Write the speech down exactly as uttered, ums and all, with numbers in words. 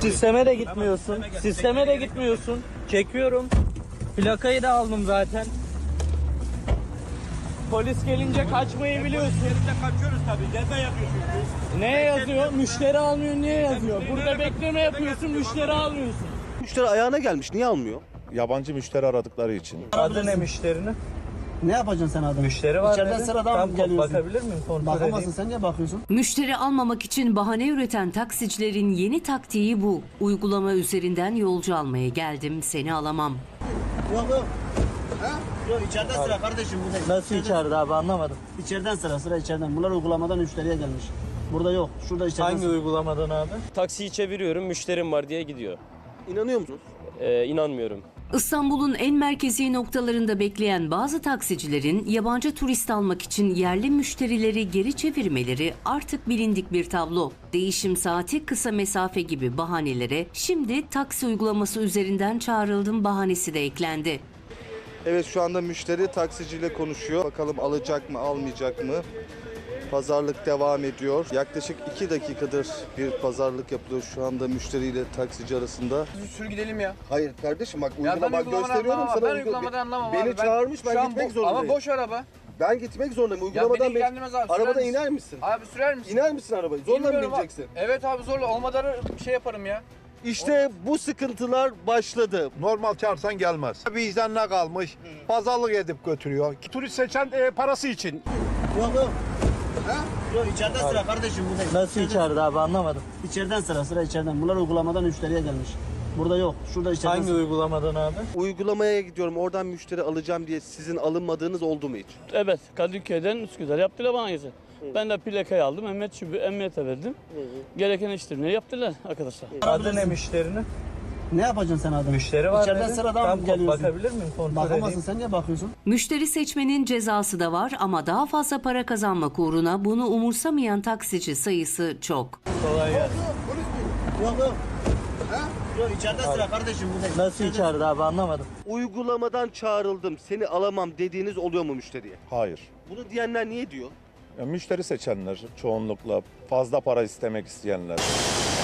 Sisteme de gitmiyorsun. Sisteme de gitmiyorsun. Çekiyorum. Plakayı da aldım zaten. Polis gelince kaçmayı biliyorsun. Kaçıyoruz tabii. Ceza yapıyorsun. Ne yazıyor? Müşteri almıyor, niye yazıyor? Burada bekleme yapıyorsun, müşteri almıyorsun. Müşteri ayağına gelmiş, niye almıyor? Yabancı müşteri aradıkları için. Adı ne müşterinin? Ne yapacaksın sen adam? Müşteri var İçeriden dedi. sıradan Tamam, geliyorsun. bakabilir miyim? Kontrol Bakamazsın, edeyim. sen niye bakıyorsun? Müşteri almamak için bahane üreten taksicilerin yeni taktiği bu. Uygulama üzerinden yolcu almaya geldim, seni alamam. Yok yok. Ha? Yok içeriden sıra kardeşim. Burada. Nasıl içeride abi, anlamadım. İçeriden sıra sıra içeriden. Bunlar uygulamadan müşteriye gelmiş. Burada yok. Şurada içeriden Hangi sıra. uygulamadan abi? Taksiyi çeviriyorum, müşterim var diye gidiyor. İnanıyor musunuz? Ee, inanmıyorum. İstanbul'un en merkezi noktalarında bekleyen bazı taksicilerin yabancı turist almak için yerli müşterileri geri çevirmeleri artık bilindik bir tablo. Değişim saati, kısa mesafe gibi bahanelere şimdi taksi uygulaması üzerinden çağrıldım bahanesi de eklendi. Evet, şu anda müşteri taksiciyle konuşuyor. Bakalım alacak mı, almayacak mı? Pazarlık devam ediyor. Yaklaşık iki dakikadır bir pazarlık yapılıyor şu anda müşteriyle taksici arasında. Sür gidelim ya. Hayır kardeşim, bak Ya ben uygulama uygulamadan gösteriyorum anlamam. sana. Ben uygula- uygulamadan anlamam Beni abi. Ben çağırmış, ben şu an gitmek bu- zorundayım. Ama boş araba. Ben gitmek zorundayım. Ya Uygulamadan beni beni- ilgilendirmez abi. sürer Arabadan misin? iner misin? Abi sürer misin? İner misin arabayı? Zorla mı Bilmiyorum abi. bineceksin? Evet abi zorla. Olmadan şey yaparım ya. İşte bu sıkıntılar başladı. Normal çağırsan gelmez. Vicdanına kalmış, pazarlık edip götürüyor. Turist seçen e, parası için. Yok yok. Ha? Yok içeriden sıra kardeşim. Burada. Nasıl içeride abi, anlamadım. İçeriden sıra sıra içeriden. Bunlar uygulamadan müşteriye gelmiş. Burada yok. Şurada içeriden Hangi sıra. uygulamadan abi? Uygulamaya gidiyorum, oradan müşteri alacağım diye sizin alınmadığınız oldu mu hiç? Evet, Kadıköy'den Üsküdar yaptılar bana gezi. Ben de plakayı aldım, emniyet şube, emniyete verdim. Gereken işlemleri yaptılar arkadaşlar. Adı ne müşterinin? Ne yapacaksın sen adam? Müşteri var İçeriden dedi. sıradan Tamam, geliyorsun. bakabilir miyim? Kontrol Bakamazsın, edeyim. sen niye bakıyorsun? Müşteri seçmenin cezası da var ama daha fazla para kazanmak uğruna bunu umursamayan taksici sayısı çok. Kolay gelsin. Yok yok. Ha? Yok içeriden sıra kardeşim. Burada. Nasıl içeride abi, anlamadım. Uygulamadan çağrıldım, seni alamam dediğiniz oluyor mu müşteriye? Hayır. Bunu diyenler niye diyor? Ya, müşteri seçenler çoğunlukla, fazla para istemek isteyenler.